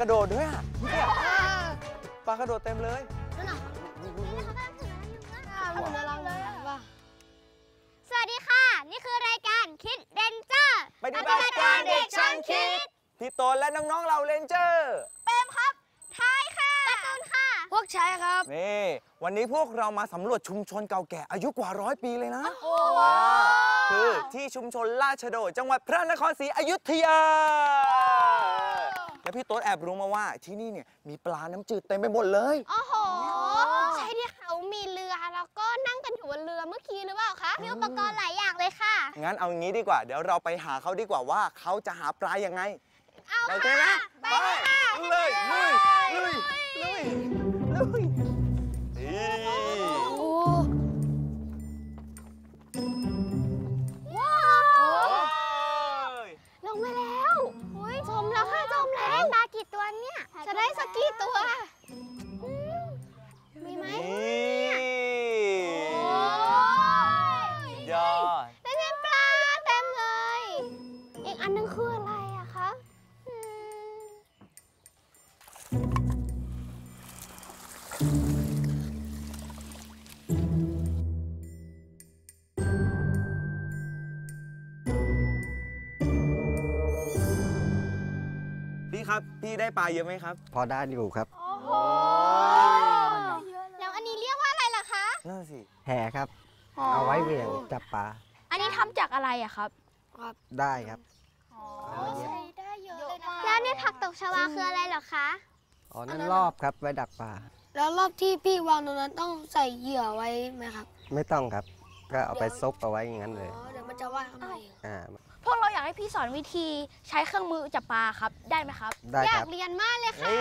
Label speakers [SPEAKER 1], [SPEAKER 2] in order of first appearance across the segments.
[SPEAKER 1] กระโดดด้วยอ่ะปลากระโดดเต็มเลย
[SPEAKER 2] สวัสดีค่ะนี่คือรายการคิดเรนเจอร์
[SPEAKER 1] ปฏิบัติการเด็กช่างคิดพี่โตนและน้องๆเราเรนเจอร์
[SPEAKER 2] เปมครับท้ายค่ะการ์ตูนค่ะพวกชายครับ
[SPEAKER 1] นี่วันนี้พวกเรามาสำรวจชุมชนเก่าแก่อายุกว่า100 ปีเลยนะคือที่ชุมชนราชโดจังหวัดพระนครศรีอยุธยาและพี่โต๊ดแอบรู้มาว่าที่นี่เนี่ยมีปลาน้ำจืดเต็มไปหมดเลย
[SPEAKER 2] โอ้โหใช่ที่เขามีเรือแล้วก็นั่งกันอยู่บนเรือเมื่อกี้หรือเปล่าคะมีอุปกรณ์หลายอย่างเลยค่ะ
[SPEAKER 1] งั้นเอางี้ดีกว่าเดี๋ยวเราไปหาเขาดีกว่าว่าเขาจะหาปลายังไง
[SPEAKER 2] เอาค่ะไปค่ะ
[SPEAKER 1] เลยลุย
[SPEAKER 2] ว้าวลงมาแล้วจมแล้วค่ะจมแล้วปลากี่ตัวเนี่ยจะได้สักกี่ตัวมีไหม
[SPEAKER 1] ยอด
[SPEAKER 2] ได้ปลาเต็มเลยอีกอันนึงคืออะไรอะคะ
[SPEAKER 1] พี่ครับพี่ได้ปลาเยอะไหมครับ
[SPEAKER 3] พอได้อยู่ครับ
[SPEAKER 2] โอ้โหแล้วอันนี้เรียกว่าอะไรล่ะคะ
[SPEAKER 1] นั่นสิ
[SPEAKER 3] แห่ครับเอาไว้เหวี่ยงจับปลา
[SPEAKER 2] อันนี้ทำจากอะไรอะครับ
[SPEAKER 3] ได้ครับ
[SPEAKER 2] ใช้ได้เยอะเลยนะแล้วเนี่ยผักตบชวาคืออะไรเหรอคะ
[SPEAKER 3] อ๋อนั่นรอบครับไว้ดักปลา
[SPEAKER 4] แล้วรอบที่พี่วางตรงนั้นต้องใส่เหยื่อไว้ไหมครับ
[SPEAKER 3] ไม่ต้องครับก็เอาไปซุกเอาไว้อย่างนั้นเลย
[SPEAKER 4] เดี๋ยวมันจะว่ายเข้ามาเอง
[SPEAKER 2] พวกเราอยากให้พี่สอนวิธีใช้เครื่องมือจับปลาครับได้ไหมครับ
[SPEAKER 3] ได้ครับ
[SPEAKER 2] อยากเรียนมากเลยค่ะ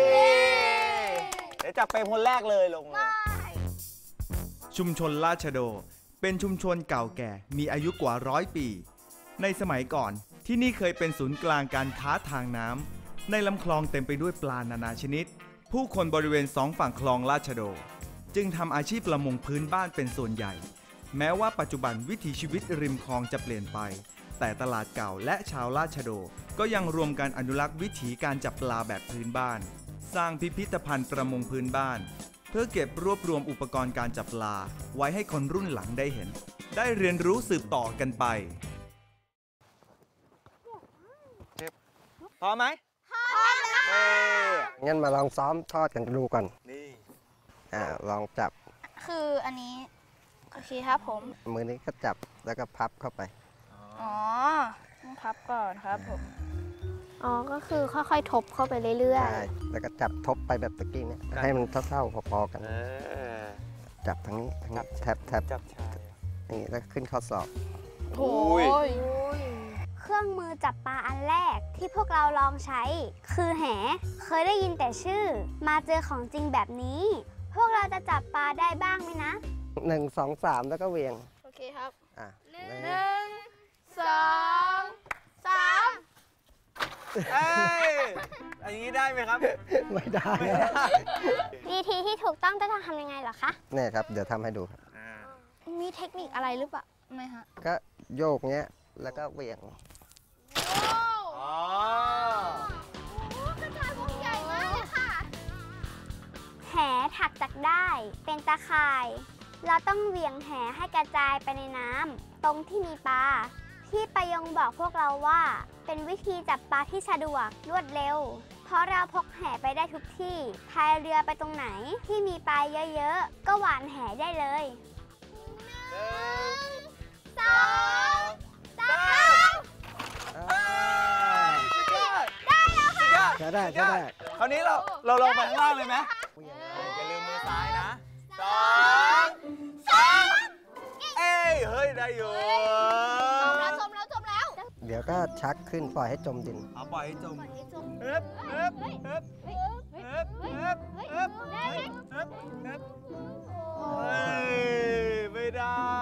[SPEAKER 1] เดี๋ยวจับเป็นคนแรกเลยลงเลย
[SPEAKER 5] ชุมชนราชโดเป็นชุมชนเก่าแก่มีอายุกว่า100 ปีในสมัยก่อนที่นี่เคยเป็นศูนย์กลางการค้าทางน้ำในลำคลองเต็มไปด้วยปลานานาชนิดผู้คนบริเวณ2 ฝั่งคลองราชโดจึงทำอาชีพประมงพื้นบ้านเป็นส่วนใหญ่แม้ว่าปัจจุบันวิถีชีวิตริมคลองจะเปลี่ยนไปแต่ตลาดเก่าและชาวราชโดก็ยังรวมกันอนุรักษ์วิถีการจับปลาแบบพื้นบ้านสร้างพิพิธภัณฑ์ประมงพื้นบ้านเพื่อเก็บรวบรวมอุปกรณ์การจับปลาไว้ให้คนรุ่นหลังได้เห็นได้เรียนรู้สืบต่อกันไป
[SPEAKER 1] พอไหม
[SPEAKER 2] พอแล้ว
[SPEAKER 3] งั้นมาลองซ้อมทอดกันดูก่อน
[SPEAKER 1] นี่
[SPEAKER 3] ลองจับ
[SPEAKER 2] คืออันนี้โอเคครับผม
[SPEAKER 3] มือนี้ก็จับแล้วก็พับเข้าไป
[SPEAKER 2] อ๋อต้องพับก่อนครับผมอ๋อก็คือค่อยๆทบเข้าไปเรื่อย
[SPEAKER 3] ๆใช่แล้วก็จับทบไปแบบตะกี้เนี่ยให้มันเท่าๆพอๆกันจับทั้งนี้แทบ
[SPEAKER 1] จับชาย
[SPEAKER 3] นี่แล้วขึ้นข้อศอก
[SPEAKER 2] โอ้ยเครื่องมือจับปลาอันแรกที่พวกเราลองใช้คือแหเคยได้ยินแต่ชื่อมาเจอของจริงแบบนี้พวกเราจะจับปลาได้บ้างไหมนะ
[SPEAKER 3] 1 2 3แล้วก็เวียง
[SPEAKER 2] โอเคครับ1 2 3
[SPEAKER 1] อันนี้ได้ไหมครับ
[SPEAKER 3] ไม่ได้
[SPEAKER 2] วิธีที่ถูกต้องจะทำยังไงเหรอคะ
[SPEAKER 3] เนี่ยครับเดี๋ยวทำให้ดูครับ
[SPEAKER 2] มีเทคนิคอะไรหรือเปล่าไม่ฮะ
[SPEAKER 3] ก็โยกเงี้ยแล้วก็เวียง
[SPEAKER 2] กระต่ายพวกใหญ่มากเลยค่ะแหถักจากได้เป็นตาข่ายเราต้องเหวี่ยงแหให้กระจายไปในน้ำตรงที่มีปลาที่ประยงบอกพวกเราว่าเป็นวิธีจับปลาที่สะดวกรวดเร็วเพราะเราพกแหไปได้ทุกที่พายเรือไปตรงไหนที่มีปลาเยอะๆก็หวานแหได้เลย1 2 3ได้แล้วค่ะ
[SPEAKER 3] ได้
[SPEAKER 1] คราวนี้เราลงไปข้างล่างเลยไหมอย่าลืมมือซ้ายนะ2 3เฮ้ยได้อยู่
[SPEAKER 2] จมแล้ว
[SPEAKER 3] เดี๋ยวก็ชักขึ้นปล่อยให้จมดิน
[SPEAKER 1] ปล่อยให้จมเฮ้ยไม่ได้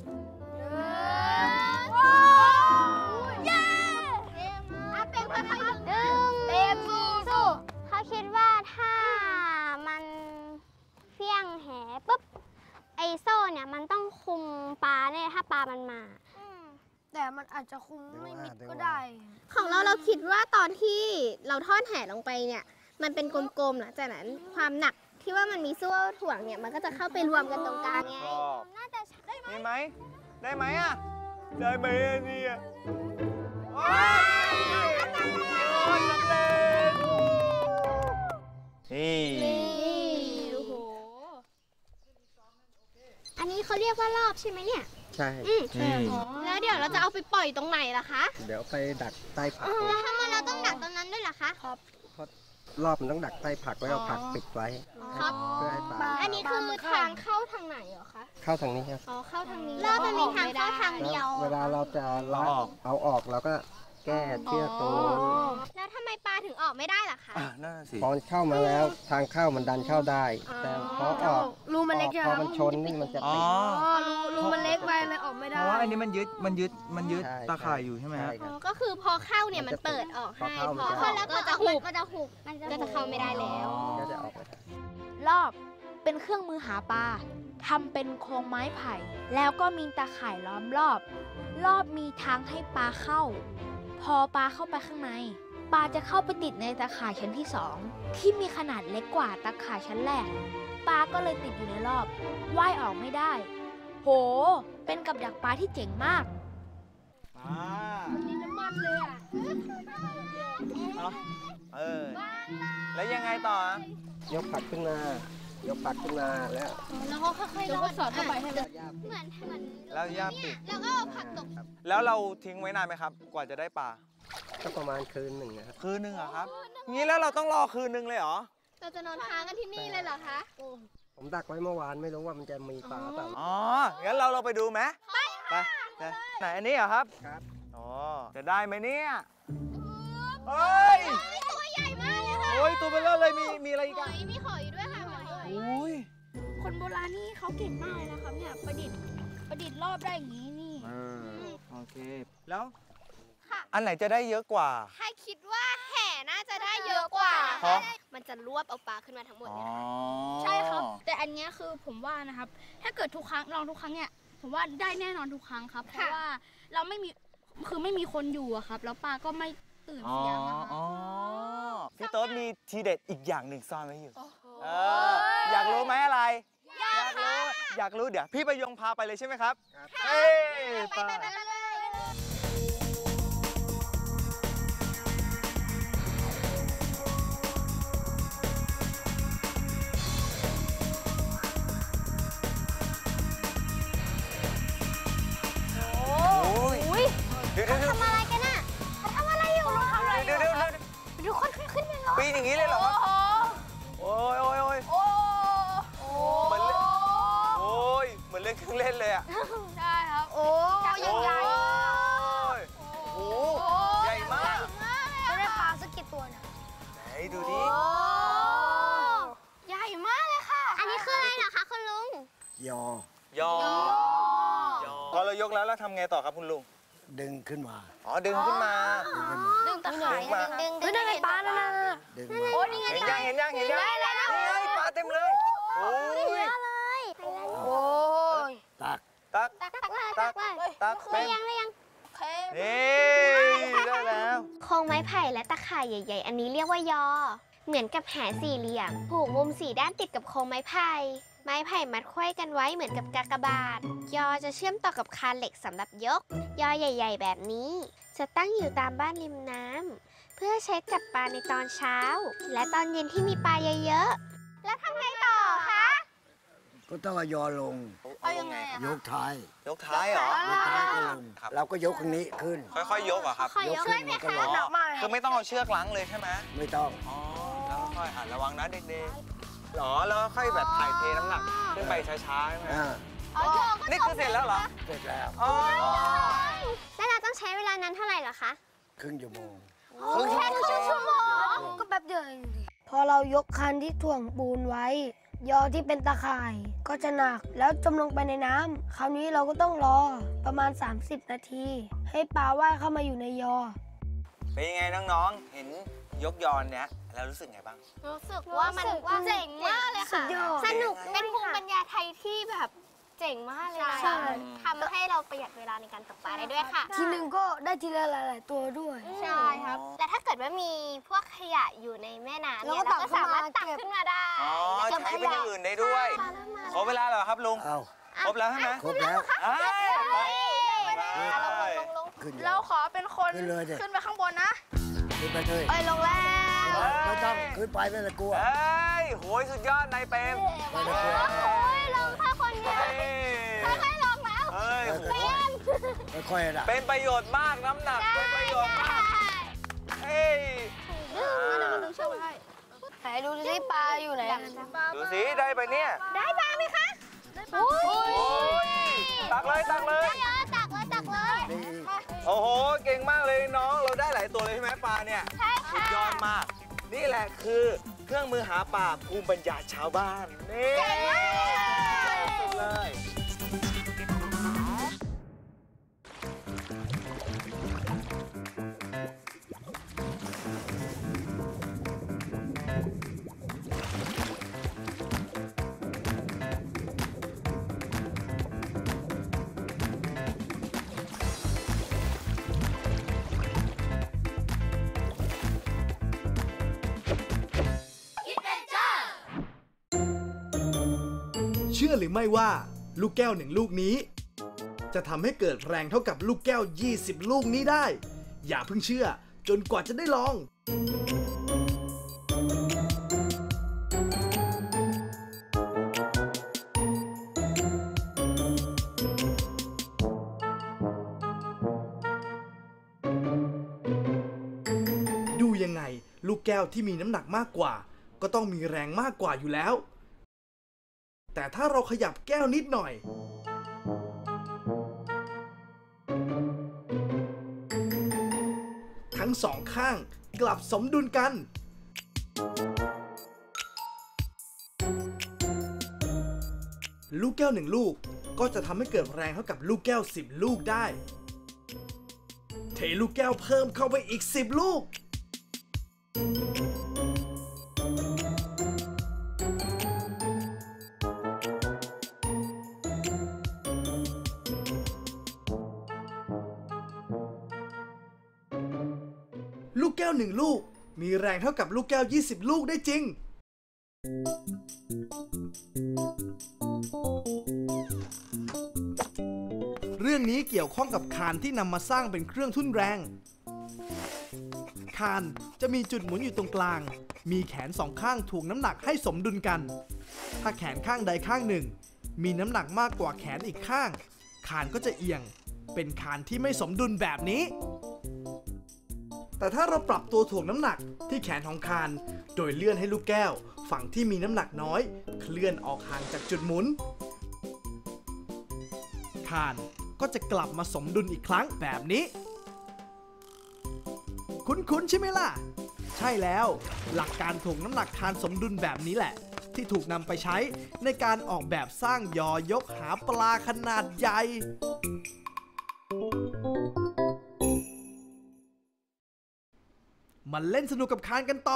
[SPEAKER 2] เย้เป็นพลังเต็มสู้เขาคิดว่าถ้ามันเฟี้ยงแหปุ๊บไอโซ่เนี่ยมันต้องคุมปลาเนี่ยถ้าปลามันมา
[SPEAKER 4] แต่มันอาจจะคุมไม่มิดก็ได้
[SPEAKER 2] ของเราคิดว่าตอนที่เราทอดแห่ลงไปเนี่ยมันเป็นกลมๆหลังจากนั้นความหนักที่ว่ามันมีโซ่ถ่วงเนี่ยมันก็จะเข้าไปรวมกันตรงกลางไงน่าจะได้ไหม
[SPEAKER 1] มีไหม ได้ไหมอ่ะ ได้ไหมอันนี้อ่ะโอ้ยสำเร็จนี่
[SPEAKER 2] โอ้โหอันนี้เขาเรียกว่ารอบใช่ไหมเนี่ย
[SPEAKER 3] ใช่
[SPEAKER 2] แล้วเดี๋ยวเราจะเอาไปปล่อยตรงไหนล่ะคะ
[SPEAKER 3] เดี๋ยวไปดักใต้ผัก
[SPEAKER 2] แล้วทำไมเราต้องดักตรงนั้นด้วยล่ะคะ
[SPEAKER 3] รอบมันต้องดักใต้ผักแล้วเอาผักปิดไว้
[SPEAKER 2] ครับ
[SPEAKER 3] เพื่อให้ปลา
[SPEAKER 2] อันนี้คือทางเข้าทางไหนเหรอคะ
[SPEAKER 3] เข้าทางนี้ครับ
[SPEAKER 2] อ๋อเข้าทางนี้รอบมันมีทางเข้าทางเดียว
[SPEAKER 3] เวลาเราจะล้างเอาออกเราก็แก้เชือกตรงนู้น
[SPEAKER 2] แล้วทำไมปลาถึงออกไม่ได้ล่ะคะ
[SPEAKER 1] นั่นสิ
[SPEAKER 3] พอมันเข้ามาแล้วทางเข้ามันดันเข้าได้ แต่พอออก
[SPEAKER 4] รูมันเล็ก
[SPEAKER 3] พอมันชนนี่มันจะ
[SPEAKER 1] อ๋อ
[SPEAKER 3] ติด
[SPEAKER 4] รูมันเล็กไปเลยออกไม่
[SPEAKER 5] เพ
[SPEAKER 4] ได้
[SPEAKER 5] ราะว่าอันนี้มันยึด
[SPEAKER 3] ใช่
[SPEAKER 5] ตาข่ายอยู่ใช่ไหมฮะ
[SPEAKER 3] ใช่ครับ
[SPEAKER 2] ก็คือพอเข้าเนี่ยมันเปิดออกให้
[SPEAKER 3] พอเข้ามัน
[SPEAKER 2] พอ
[SPEAKER 3] จะ
[SPEAKER 2] เข้าแล้วก็จะหุบมันจะเข้าไม่ได้แล้ว
[SPEAKER 3] ก็จะออกไม่ได้
[SPEAKER 6] รอบเป็นเครื่องมือหาปลาทำเป็นโครงไม้ไผ่ แล้วก็มีตาข่ายล้อมรอบ รอบมีทางให้ปลาเข้า พอปลาเข้าไปข้างในปลาจะเข้าไปติดในตาข่ายชั้นที่ 2 ที่มีขนาดเล็กกว่าตาข่ายชั้นแรกปลาก็เลยติดอยู่ในรอบว่ายออกไม่ได้ โห เป็นกับดักปลาที่เจ๋งมาก
[SPEAKER 1] แล้วยังไงต่ออ่ะ
[SPEAKER 3] ยกผักขึ้นมา ยกผักขึ้นมาแล้ว
[SPEAKER 2] แล้วก็ค่อยๆลอดสอดเข้าไปให้มันเหมือน
[SPEAKER 1] แล้วย่าปิด
[SPEAKER 2] แล้วก็เอาผักตก
[SPEAKER 1] แล้วเราทิ้งไว้นานไหมครับ กว่าจะได้ปลา
[SPEAKER 3] ก็ประมาณคืนหนึ่งนะครับ
[SPEAKER 1] คืนนึงเหรอครับ งี้แล้วเราต้องรอคืนนึงเลยเหรอ
[SPEAKER 2] เราจะนอนค้างกันที่นี่เลยเหรอคะ
[SPEAKER 3] ผมดักไว้เมื่อวานไม่รู้ว่ามันจะมีปลาเปล่า
[SPEAKER 1] อ๋อ งั้นเราไปดูไหมไปไหนอันนี้เหรอครับ
[SPEAKER 3] ครับ
[SPEAKER 1] อ๋อ จะได้ไหมเนี่ยเฮ้ย
[SPEAKER 2] ตัวใหญ่มากเลยค่ะ
[SPEAKER 1] โอ้ยตัวเบลอเลยมีอะไรอีกอ่ะ
[SPEAKER 2] มีหอยด้วยค่ะหอย
[SPEAKER 1] อุ้ย
[SPEAKER 6] คนโบราณนี่เขาเก่งมากเลยนะครับเนี่ยประดิษฐ์รอบได้อย่างนี้นี่
[SPEAKER 1] โอเค แล้ว อันไหนจะได้เยอะกว่า
[SPEAKER 2] ถ้าคิดว่าแห่น่าจะได้เยอะกว่า
[SPEAKER 1] เพราะ
[SPEAKER 2] มันจะรวบเอาปลาขึ้นมาทั้งหมด
[SPEAKER 1] อ๋อ
[SPEAKER 2] เนี่ย
[SPEAKER 6] ใช่ครับ แต่อันเนี้ยคือผมว่านะครับ ถ้าเกิดทุกครั้งลองทุกครั้งเนี่ยผมว่าได้แน่นอนทุกครั้งครับ เพราะว่าเราไม่มีคนอยู่อะครับ แล้วปลาก็ไม่ตื่น
[SPEAKER 1] อ๋อ
[SPEAKER 6] เสียงอะครับ
[SPEAKER 1] อ๋อพี่โต๊ดมีทีเด็ดอีกอย่างหนึ่งซ่อนไว้อยู่อยากรู้ไหมอะไร อยากรู้เดี๋ยวพี่ประยงพาไปเลยใช่ไหมครับเฮ้ยไป เดี๋ยว
[SPEAKER 2] ทำอะไรกันน่ะทำอะไรอยู่ทำอะไรอยู่
[SPEAKER 1] เดี๋ยว
[SPEAKER 2] ดูคนขึ้นไปเลย
[SPEAKER 1] ปีนอย่างนี้เลยเหรอโอ้ยเหมือนเล่นเหมือนเล่นเครื่องเล่นเลยอ่ะ
[SPEAKER 6] ใช่ครับ
[SPEAKER 2] โอ้ยังใหญ่
[SPEAKER 1] โอ้ใหญ่มาก
[SPEAKER 4] จะได้ปลาสักกี่ตัวเนี่ย
[SPEAKER 1] ไหนดูดิ
[SPEAKER 2] ใหญ่มากเลยค่ะ อันนี้คืออะไรเหรอคะคุณลุง
[SPEAKER 3] ยอ
[SPEAKER 1] ยอพอเรายกแล้วทำไงต่อครับคุณลุง
[SPEAKER 3] ดึงขึ้นมา
[SPEAKER 1] อ๋อดึงขึ้นมา
[SPEAKER 2] ดึงตะข่าย
[SPEAKER 1] ดึงมา
[SPEAKER 2] ดึง
[SPEAKER 4] เฮ้ยนั่นไงปลานั่นน่ะ
[SPEAKER 3] ดึงมา
[SPEAKER 2] โอ้นี่ไง
[SPEAKER 1] เห็นยังนี่ไงปลาเต็มเลยโอ้ย
[SPEAKER 4] โอ้ย
[SPEAKER 3] ตัก
[SPEAKER 1] ตัก
[SPEAKER 2] ตักเลยยัง
[SPEAKER 1] นี่ได้แล้ว
[SPEAKER 2] โครงไม้ไผ่และตะข่ายใหญ่ๆ อันนี้เรียกว่ายอ เหมือนกับแหสี่เหลี่ยมผูกมุม4ด้านติดกับโครงไม้ไผ่ ไม้ไผ่มัดไขว้กันไว้เหมือนกับกากบาท ยอจะเชื่อมต่อกับคานเหล็กสำหรับยก ยอใหญ่ ๆ แบบนี้ จะตั้งอยู่ตามบ้านริมน้ำเพื่อใช้จับปลาในตอนเช้า และตอนเย็นที่มีปลาเยอะๆ แล้วทำไงต่อคะ
[SPEAKER 7] ก็ต้องเอายอลง
[SPEAKER 2] เอายังไงอะ
[SPEAKER 7] ยกท้าย
[SPEAKER 1] ยกท้ายเหรอ
[SPEAKER 7] ยกท้ายก็ลง
[SPEAKER 1] ครับ
[SPEAKER 7] เราก็ยกข้างนี้ขึ้น
[SPEAKER 1] ค่อยๆยกเหรอครับ
[SPEAKER 7] ยกขึ้นมันก็ลง
[SPEAKER 4] หนักมาก
[SPEAKER 1] คือไม่ต้องเอาเชือกลังเลยใช่ไหม
[SPEAKER 7] ไม่ต้อง
[SPEAKER 1] อ๋อแล้วค่อยระวังนะเด็กๆหรอแล้วค่อยแบบถ่ายเทน้ำหนักขึ้นไปช้าๆใช่ไหม นี่คือเสร็จแล้วเหรอ
[SPEAKER 7] เสร็จแล้ว
[SPEAKER 1] อ๋อ
[SPEAKER 2] แล้วเราต้องใช้เวลานานเท่าไหร่เหรอคะ
[SPEAKER 7] ครึ่งชั่วโมง
[SPEAKER 2] แค่ครึ่งชั่วโมง
[SPEAKER 4] ก็แป๊บเดียวเองดิพอเรายกคันที่ถ่วงปูนไว้ ยอที่เป็นตะข่ายก็จะหนักแล้วจมลงไปในน้ำคราวนี้เราก็ต้องรอประมาณ 30 นาที ให้ปลาว่ายเข้ามาอยู่ในยอ
[SPEAKER 1] เป็นยังไงน้องๆ เห็นยกยอนเนี้ยแล้วรู้สึกไงบ้าง
[SPEAKER 2] รู้สึกว่ามันเจ๋งมากเลยค่ะ สนุกเป็นภูมิปัญญาไทยที่แบบเ
[SPEAKER 8] เจ๋งมากเลยนะ
[SPEAKER 4] ใช่
[SPEAKER 8] ทำให้เราประหยัดเวลาในการตกปลาได้ด้วยค่ะ
[SPEAKER 4] ทีหนึ่งก็ได้ทีละหลาย ๆ ตัวด้วย
[SPEAKER 8] ใช่ครับ แต่ถ้าเกิดว่ามีพวกขยะอยู่ในแม่น้ำเนี่ย
[SPEAKER 4] เรา
[SPEAKER 8] เรา
[SPEAKER 4] ก็
[SPEAKER 8] ก็สามารถ
[SPEAKER 4] ตั
[SPEAKER 8] ตั
[SPEAKER 4] ก
[SPEAKER 8] ก
[SPEAKER 4] ขึ้
[SPEAKER 8] ขึ้
[SPEAKER 4] น
[SPEAKER 8] น
[SPEAKER 4] มา
[SPEAKER 8] มาได้
[SPEAKER 1] อ๋อ
[SPEAKER 8] แล้วก็
[SPEAKER 1] ใช้เป็นอย่างอื่นได้ด้วย ขอเวลาเหรอครับลุง
[SPEAKER 7] เอา
[SPEAKER 1] ครบแล้วใช่ไหม
[SPEAKER 7] ครบแล้ว
[SPEAKER 1] เอ้ยไป
[SPEAKER 8] ลง
[SPEAKER 7] ขึ้น
[SPEAKER 6] เราขอเป็นคน
[SPEAKER 7] ขึ้นเลยดิ
[SPEAKER 6] ขึ้นไปข้างบนนะ
[SPEAKER 7] ขึ้นไปเลย
[SPEAKER 8] ไปลงแล้ว
[SPEAKER 7] ไม่ต้องขึ้นไปไม่ต้องกลัว
[SPEAKER 1] เอ้ยโหยสุดยอดนายเปรม
[SPEAKER 7] ไม่ต้องกลัว
[SPEAKER 8] โอ้ยลงแค่คนเดียว
[SPEAKER 1] เฮ้ย
[SPEAKER 8] ค่อยๆลงแล้ว
[SPEAKER 1] เฮ้ยโห
[SPEAKER 7] ค่อยๆนะ
[SPEAKER 1] เป็นประโยชน์มากน้ำหนักเป็นประโยชน์มากเฮ้ย
[SPEAKER 4] ไหนดูสิปลาอยู่ไหน
[SPEAKER 1] ดูสิได้ไปเนี่ย
[SPEAKER 8] ได้ปลาไหมคะ
[SPEAKER 1] โอ้ยตักเลยตักเลย
[SPEAKER 8] เยอะตักเลย
[SPEAKER 7] นี่อีก
[SPEAKER 1] โอ้โหเก่งมากเลยน้องเราได้หลายตัวเลยใช่ไหมปลาเนี่ย
[SPEAKER 8] ใช่
[SPEAKER 1] สุด
[SPEAKER 8] ค่ะ
[SPEAKER 1] ยอดมาก นี่แหละคือเครื่องมือหาปลาภูมิปัญญาชาวบ้านนี่สุดเลย
[SPEAKER 5] เชื่อหรือไม่ว่าลูกแก้ว1 ลูกนี้ จะทำให้เกิดแรงเท่ากับลูกแก้ว 20 ลูกนี้ได้ อย่าเพิ่งเชื่อจนกว่าจะได้ลอง ดูยังไงลูกแก้วที่มีน้ำหนักมากกว่า ก็ต้องมีแรงมากกว่าอยู่แล้ว แต่ถ้าเราขยับแก้วนิดหน่อย ทั้งสองข้างกลับสมดุลกัน ลูกแก้ว1 ลูกก็จะทำให้เกิดแรงเท่ากับลูกแก้ว10 ลูกได้ เทลูกแก้วเพิ่มเข้าไปอีก10 ลูก ลูกแก้ว1 ลูกมีแรงเท่ากับลูกแก้ว20 ลูกได้จริง เรื่องนี้เกี่ยวข้องกับคานที่นำมาสร้างเป็นเครื่องทุ่นแรง คานจะมีจุดหมุนอยู่ตรงกลาง มีแขน2 ข้างถ่วงน้ำหนักให้สมดุลกัน ถ้าแขนข้างใดข้างหนึ่งมีน้ำหนักมากกว่าแขนอีกข้าง คานก็จะเอียง เป็นคานที่ไม่สมดุลแบบนี้ แต่ถ้าเราปรับตัวถ่วงน้ำหนักที่แขนของคาน โดยเลื่อนให้ลูกแก้วฝั่งที่มีน้ำหนักน้อย เคลื่อนออกห่างจากจุดหมุน คานก็จะกลับมาสมดุลอีกครั้งแบบนี้ คุ้นๆใช่ไหมล่ะ ใช่แล้ว หลักการถ่วงน้ำหนักคานสมดุลแบบนี้แหละ ที่ถูกนำไปใช้ในการออกแบบสร้างยอยกหาปลาขนาดใหญ่ มาเล่นสนุกกับคานกันต่อ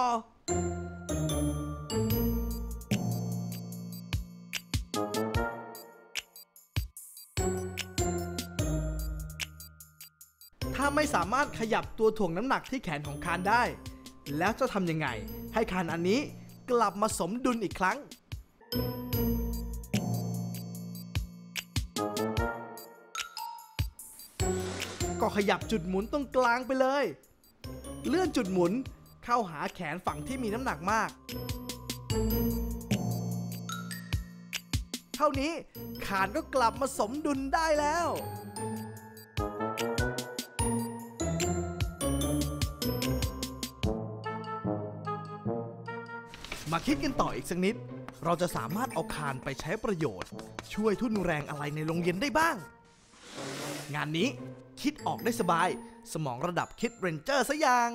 [SPEAKER 5] ถ้าไม่สามารถขยับตัวถ่วงน้ำหนักที่แขนของคานได้ แล้วจะทำยังไงให้คานอันนี้กลับมาสมดุลอีกครั้ง ก็ขยับจุดหมุนตรงกลางไปเลย เลื่อนจุดหมุนเข้าหาแขนฝั่งที่มีน้ำหนักมาก เท่านี้คานก็กลับมาสมดุลได้แล้ว มาคิดกันต่ออีกสักนิด เราจะสามารถเอาคานไปใช้ประโยชน์ ช่วยทุ่นแรงอะไรในโรงเรียนได้บ้าง งานนี้คิดออกได้สบาย สมองระดับคิดเรนเจอร์ซะอย่าง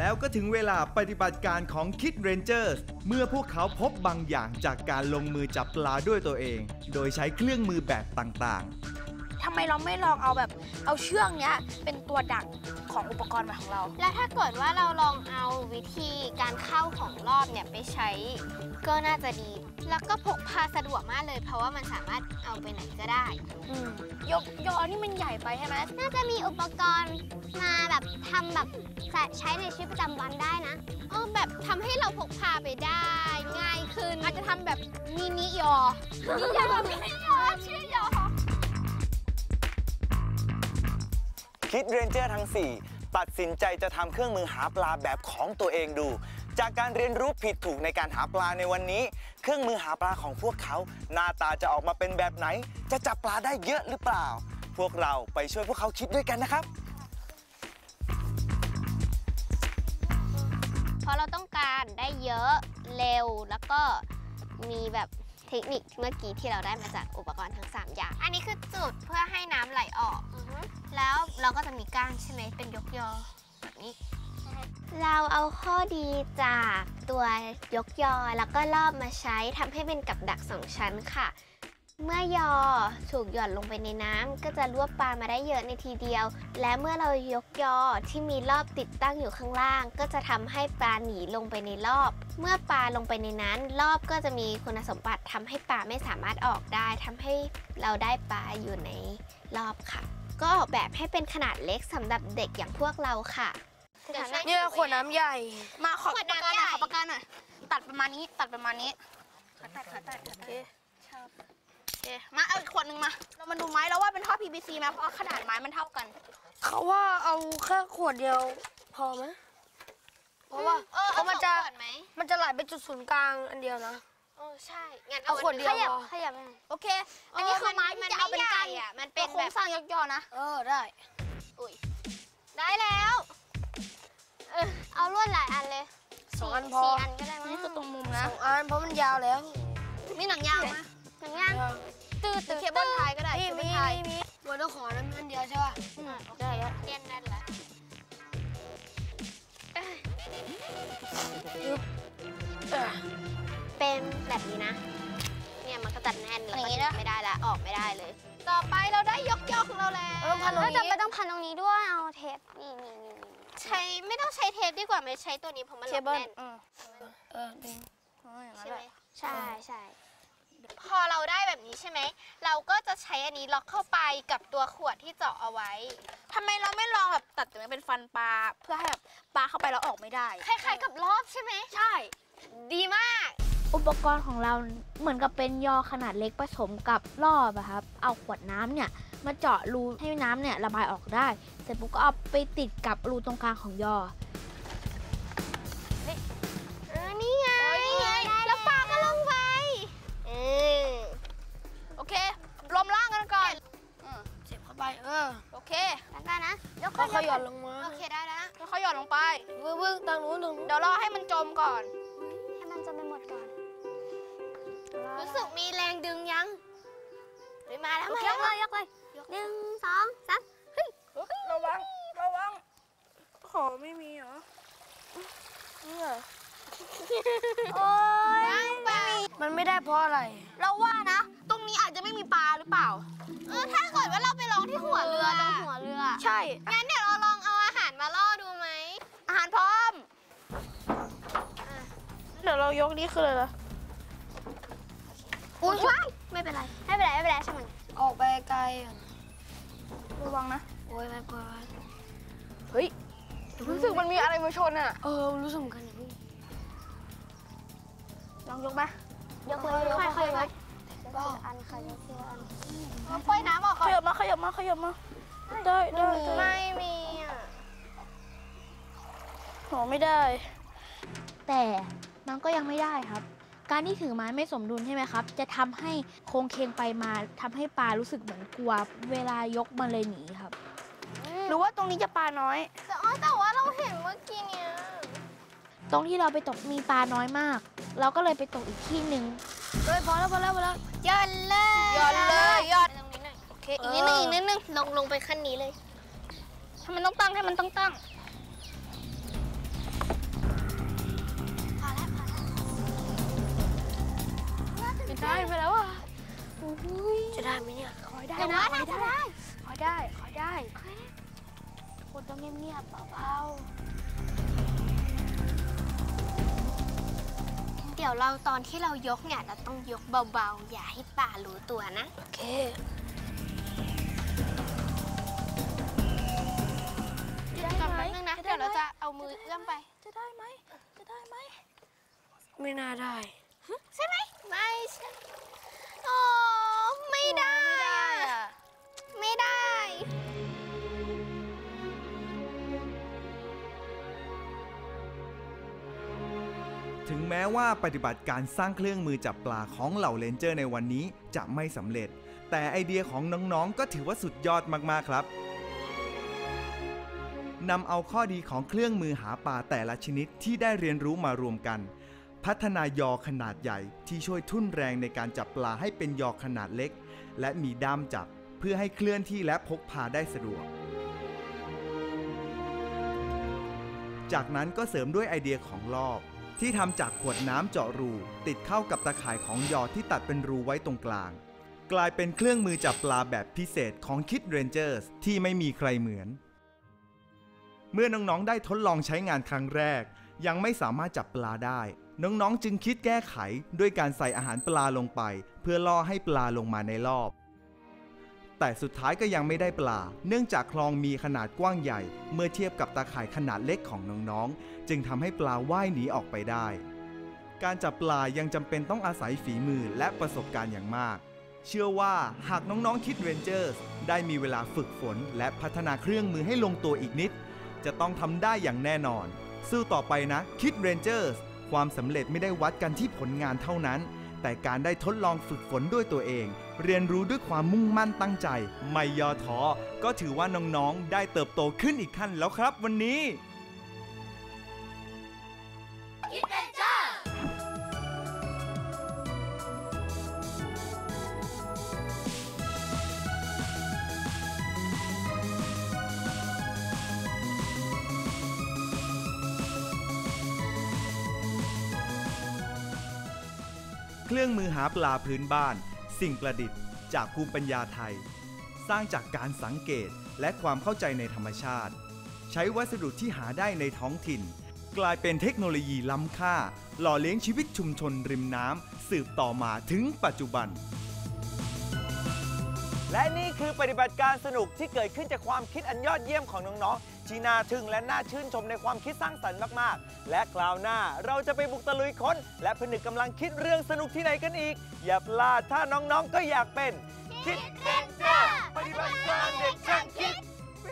[SPEAKER 5] แล้วก็ถึงเวลาปฏิบัติการของ Kid Rangers เมื่อพวกเขาพบบางอย่างจากการลงมือจับปลาด้วยตัวเอง โดยใช้เครื่องมือแบบต่างๆ
[SPEAKER 6] ทำไมเราไม่ลองเอาเชือกเนี้ยเป็นตัวดักของอุปกรณ์ของเรา
[SPEAKER 8] แล้วถ้าเกิดว่าเราลองเอาวิธีการเข้าของรอบเนี่ยไปใช้ก็น่าจะดี แล้วก็พกพาสะดวกมากเลย เพราะว่ามันสามารถเอาไปไหนก็ได้
[SPEAKER 6] ยอนี่มันใหญ่ไปใช่ไหม
[SPEAKER 2] น่าจะมีอุปกรณ์มาแบบทำแบบใช้ในชีวิตประจำวันได้นะ
[SPEAKER 8] แบบทำให้เราพกพาไปได้ง่ายขึ้น
[SPEAKER 6] อาจจะทำแบบมินิยอ
[SPEAKER 8] นี่ยอไม่ใช่ยอชื่อยอ
[SPEAKER 1] คิดเรนเจอร์ทั้ง 4 ตัดสินใจจะทำเครื่องมือหาปลาแบบของตัวเองดู จากการเรียนรู้ผิดถูกในการหาปลาในวันนี้ เครื่องมือหาปลาของพวกเขาหน้าตาจะออกมาเป็นแบบไหน จะจับปลาได้เยอะหรือเปล่า พวกเราไปช่วยพวกเขาคิดด้วยกันนะครับ
[SPEAKER 8] เพราะเราต้องการได้เยอะเร็วแล้วก็มีแบบเทคนิคเมื่อกี้ที่เราได้มาจากอุปกรณ์ทั้ง 3 อย่าง อันนี้คือจุดเพื่อให้น้ำไหลออกแล้วเราก็จะมีก้านใช่ไหมเป็นยกยอแบบนี้ เราเอาข้อดีจากตัวยกยอแล้วก็รอบมาใช้ทำให้เป็นกับดัก 2 ชั้นค่ะ เมื่อยอถูกหย่อนลงไปในน้ำก็จะรวบปลามาได้เยอะในทีเดียว และเมื่อเรายกยอที่มีรอบติดตั้งอยู่ข้างล่าง ก็จะทำให้ปลาหนีลงไปในรอบ เมื่อปลาลงไปในนั้นรอบก็จะมีคุณสมบัติทำให้ปลาไม่สามารถออกได้ทำให้เราได้ปลาอยู่ในรอบค่ะ ก็ออกแบบให้เป็นขนาดเล็กสำหรับเด็กอย่างพวกเราค่ะ
[SPEAKER 4] เนี่ยขวดน้ำใหญ่
[SPEAKER 6] มาขอ
[SPEAKER 8] ขวด
[SPEAKER 6] ปาก
[SPEAKER 8] น้ำ
[SPEAKER 6] กาหน่อย
[SPEAKER 8] ใหญ่
[SPEAKER 6] ขอปากกาหน่อยตัดประมาณนี้ตัดประมาณนี้โอเคมาเอาอีกขวดหนึ่งมา เรามาดูไม้แล้วว่าเป็นท่อ PVC ไหมเพราะขนาดไม้มันเท่ากัน
[SPEAKER 4] เขาว่าเอาแค่ขวดเดียวพอไหมเพราะว่าเพราะมันจะ
[SPEAKER 8] ขวดไหม
[SPEAKER 4] ไหลไปจุดศูนย์กลางอันเดียวนะ
[SPEAKER 8] ใช่งั้น
[SPEAKER 4] เอาขวดเดียวพอ
[SPEAKER 2] ขยับไปหน่อย
[SPEAKER 6] โอเค อันนี้คือไม้ที่จะเอาเป็นกัน
[SPEAKER 8] มัน
[SPEAKER 6] เป็
[SPEAKER 8] เป็น น
[SPEAKER 6] โคร
[SPEAKER 8] แบ
[SPEAKER 6] ง
[SPEAKER 8] บ
[SPEAKER 6] สร้างยกยอนะ
[SPEAKER 4] ได้
[SPEAKER 8] ได้แล้ว
[SPEAKER 2] เอาลวดหลายอันเลย
[SPEAKER 4] 2 อันพอ
[SPEAKER 8] 4 อันก็ได้มั้ง
[SPEAKER 6] นี่คือตรงมุมนะ
[SPEAKER 4] 2 อันเพราะมันยาวแล้ว
[SPEAKER 6] มีหนังยาวไหม
[SPEAKER 2] หนังย่าง
[SPEAKER 6] หรือเคเบิลไทยก็ได้
[SPEAKER 4] มี
[SPEAKER 6] เคเบิ
[SPEAKER 4] มี
[SPEAKER 6] ลไทย
[SPEAKER 4] มีวันต้องขอน้ำมันเดียวใช่ป่ะ
[SPEAKER 6] ได้แล้ว
[SPEAKER 8] เรียนนั่นแหละ เป็นแบบนี้นะ เนี่ยมันก็จัดแน่นแล้วก็ดึงไม่ได้ละออกไม่ได้เลย ต่อไปเราได้ยกยอของเราแล้ว
[SPEAKER 4] เราต้องพันตรง
[SPEAKER 2] แล้ว
[SPEAKER 4] นี้
[SPEAKER 2] จะไปต้องพันตรงนี้ด้วย เอาเทปนี่
[SPEAKER 8] ใช้ไม่ต้องใช้เทปดีกว่าไม่ใช้ตัวนี้เพราะมัน
[SPEAKER 6] เค
[SPEAKER 8] ล็อก
[SPEAKER 6] เบิล
[SPEAKER 8] แน่น
[SPEAKER 4] ดึง
[SPEAKER 8] ใช่ไหม
[SPEAKER 2] ใช่
[SPEAKER 8] พอเราได้แบบนี้ใช่ไหมเราก็จะใช้อันนี้ล็อกเข้าไปกับตัวขวดที่เจาะเอาไว้
[SPEAKER 6] ทำไมเราไม่ลองแบบตัดตรงนี้เป็นฟันปลาเพื่อให้แบบปลาเข้าไปแล้วออกไม่ได้
[SPEAKER 8] คล้ายๆกับรอบใช่ไหม
[SPEAKER 6] ใช่
[SPEAKER 8] ดีมาก
[SPEAKER 6] อุปกรณ์ของเราเหมือนกับเป็นยอขนาดเล็กผสมกับรอบอะครับ เอาขวดน้ำเนี่ยมาเจาะรูให้น้ำเนี่ยระบายออกได้ เสร็จปุ๊บก็เอาไปติดกับรูตรงกลางของยอ
[SPEAKER 8] นี่ไงแล้วปลาก็ลงไป
[SPEAKER 6] โอเครวมร่างกันก่อน
[SPEAKER 4] เสียบเข้าไป
[SPEAKER 6] โอเค
[SPEAKER 2] แล้วกันนะยก
[SPEAKER 4] ก็ค่อยหย่อนลงมา
[SPEAKER 8] โอเคได้แล้วนะ
[SPEAKER 6] แล้วเขาหย่อนลงไป
[SPEAKER 4] วึ่งตางนู้น
[SPEAKER 6] เดี๋ยวรอให้มันจมก่อน
[SPEAKER 2] ให้มันจะไปหมดก่อน
[SPEAKER 8] รู้สึกมีแรงดึงยังเฮ้ยมาแล้วมาย
[SPEAKER 2] กเลย1 2 3
[SPEAKER 6] ระวังขอไม่มีเหรอ
[SPEAKER 2] โอ้ย
[SPEAKER 4] มันไม่ได้เพราะอะไร
[SPEAKER 6] เราว่านะ ตรงนี้อาจจะไม่มีปลาหรือเปล่า
[SPEAKER 8] ถ้าเกิดว่าเราไปลองที่หัวเรือ
[SPEAKER 2] ตรงหัวเรือ
[SPEAKER 6] ใช่
[SPEAKER 8] งั้นเดี๋ยวเราลองเอาอาหารมาล่อดูไหม
[SPEAKER 6] อาหารพร้อม เดี๋ยวเรายกนี่คืออะไรล่ะ
[SPEAKER 2] อุ้ยไม่เป็นไรช่างมัน
[SPEAKER 4] ออกไปไกล
[SPEAKER 6] ระวังนะ
[SPEAKER 4] โอ้ยไปปล่อย
[SPEAKER 6] เฮ้ย รู้สึกมันมีอะไรมาชนอ่ะ
[SPEAKER 4] รู้สึกเหมือนกันอย่างนี้
[SPEAKER 6] ลองยกไหม
[SPEAKER 2] ยกเลยค่อยๆยกอันค่ะยกทีละอัน
[SPEAKER 8] ปล่อยน้ำออกก่
[SPEAKER 6] ข
[SPEAKER 8] อน
[SPEAKER 6] ยับมาได้ได้
[SPEAKER 8] ไม่มีอ่ะ
[SPEAKER 6] โหไม่ได้ แต่มันก็ยังไม่ได้ครับ การที่ถือไม้ไม่สมดุลใช่ไหมครับ จะทำให้โค้งเคงไปมาทำให้ปลารู้สึกเหมือนกลัว เวลายกมันเลยหนีครับ หรือว่าตรงนี้จะปลาน้อย
[SPEAKER 8] แต่ว่าเราเห็นเมื่อกี้เนี่ย
[SPEAKER 6] ตรงที่เราไปตกมีปลาน้อยมาก เราก็เลยไปตกอีกที่หนึ่ง
[SPEAKER 4] พอแล้ว
[SPEAKER 8] ย่อนเลย
[SPEAKER 6] ย่อนเลยย่อน
[SPEAKER 8] ตรงนี้หน่อย
[SPEAKER 6] โอเค
[SPEAKER 8] อีกนิดนึงลงไปขั้นนี้เลย
[SPEAKER 6] ให้มันต้องตั้ง
[SPEAKER 4] จะได้ไหมเนี่ย
[SPEAKER 6] คอยได้
[SPEAKER 8] แต่
[SPEAKER 6] นะ
[SPEAKER 8] ว่า
[SPEAKER 6] คอย
[SPEAKER 8] น่าจะ
[SPEAKER 6] ได้
[SPEAKER 8] ได้
[SPEAKER 6] คอยได้คอยได้คนต้องเงียบๆเบา
[SPEAKER 8] เดี๋ยวเราตอนที่เรายกเนี่ยเราต้องยกเบาๆ อย่าให้ป่ารู้ตัวนะ
[SPEAKER 4] โอเค
[SPEAKER 6] ๆ
[SPEAKER 8] ก่อนแป๊บนึงนะ เดี๋ยวเราจะเอามือเอื้อมไป
[SPEAKER 6] จะได้ไหมจะได้ไหม
[SPEAKER 4] ไม่น่าได้
[SPEAKER 8] ใช่ไหม ไม่ใช่โอ้ไม่ได้อะไม่ได้
[SPEAKER 5] ถึงแม้ว่าปฏิบัติการสร้างเครื่องมือจับปลาของเหล่าเรนเจอร์ในวันนี้จะไม่สำเร็จ แต่ไอเดียของน้องๆก็ถือว่าสุดยอดมากๆครับนำเอาข้อดีของเครื่องมือหาปลาแต่ละชนิดที่ได้เรียนรู้มารวมกัน พัฒนายอขนาดใหญ่ที่ช่วยทุ่นแรงในการจับปลาให้เป็นยอขนาดเล็ก และมีด้ามจับเพื่อให้เคลื่อนที่และพกพาได้สะดวก จากนั้นก็เสริมด้วยไอเดียของลอกที่ทำจากขวดน้ำเจาะรูติดเข้ากับตะข่ายของยอที่ตัดเป็นรูไว้ตรงกลางกลายเป็นเครื่องมือจับปลาแบบพิเศษของ Kids Rangers ที่ไม่มีใครเหมือนเมื่อน้องๆได้ทดลองใช้งานครั้งแรกยังไม่สามารถจับปลาได้น้องๆจึงคิดแก้ไขด้วยการใส่อาหารปลาลงไปเพื่อล่อให้ปลาลงมาในรอบแต่สุดท้ายก็ยังไม่ได้ปลาเนื่องจากคลองมีขนาดกว้างใหญ่เมื่อเทียบกับตาข่ายขนาดเล็กของน้องๆจึงทำให้ปลาว่ายหนีออกไปได้การจับปลายังจำเป็นต้องอาศัยฝีมือและประสบการณ์อย่างมากเชื่อว่าหากน้องๆ Kids Rangers ได้มีเวลาฝึกฝนและพัฒนาเครื่องมือให้ลงตัวอีกนิดจะต้องทำได้อย่างแน่นอนสู้ต่อไปนะ Kids Rangers ความสำเร็จไม่ได้วัดกันที่ผลงานเท่านั้นแต่การได้ทดลองฝึกฝนด้วยตัวเองเรียนรู้ด้วยความมุ่งมั่นตั้งใจไม่ย่อท้อก็ถือว่าน้องๆได้เติบโตขึ้นอีกขั้นแล้วครับวันนี้ เครื่องมือหาปลาพื้นบ้านสิ่งประดิษฐ์จากภูมิปัญญาไทย สร้างจากการสังเกตและความเข้าใจในธรรมชาติใช้วัสดุที่หาได้ในท้องถิ่นกลายเป็นเทคโนโลยีล้ำค่าหล่อเลี้ยงชีวิตชุมชนริมน้ำสืบต่อมาถึงปัจจุบัน
[SPEAKER 1] และนี่คือปฏิบัติการสนุกที่เกิดขึ้นจากความคิดอันยอดเยี่ยมของน้องๆที่น่าทึ่งและน่าชื่นชมในความคิดสร้างสรรค์มากๆและคราวหน้าเราจะไปบุกตะลุยค้นและผนึกกำลังคิดเรื่องสนุกที่ไหนกันอีกอย่าพลาดถ้าน้องๆก็อยากเป็น Kids Ranger ปฏิบัติการเด็กช่างคิด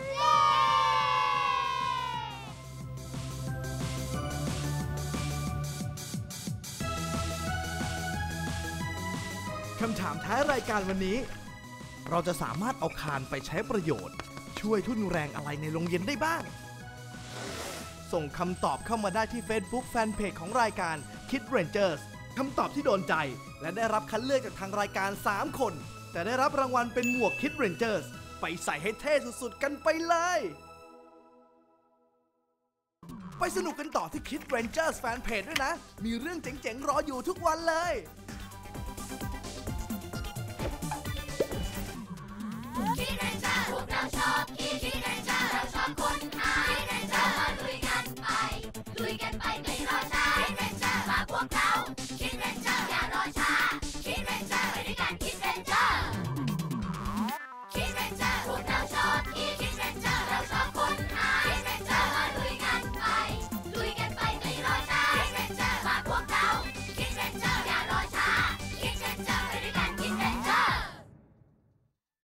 [SPEAKER 9] คำถามท้ายรายการวันนี้เราจะสามารถเอาคานไปใช้ประโยชน์ช่วยทุ่นแรงอะไรในโรงเรียนได้บ้างส่งคำตอบเข้ามาได้ที่ Facebook Fanpage ของรายการ Kids Rangers คำตอบที่โดนใจและได้รับคัดเลือกจากทางรายการ3คนแต่ได้รับรางวัลเป็นหมวก Kids Rangers ไปใส่ให้เท่สุดๆกันไปเลยไปสนุกกันต่อที่ Kids Rangers Fanpage ด้วยนะมีเรื่องเจ๋งๆรออยู่ทุกวันเลย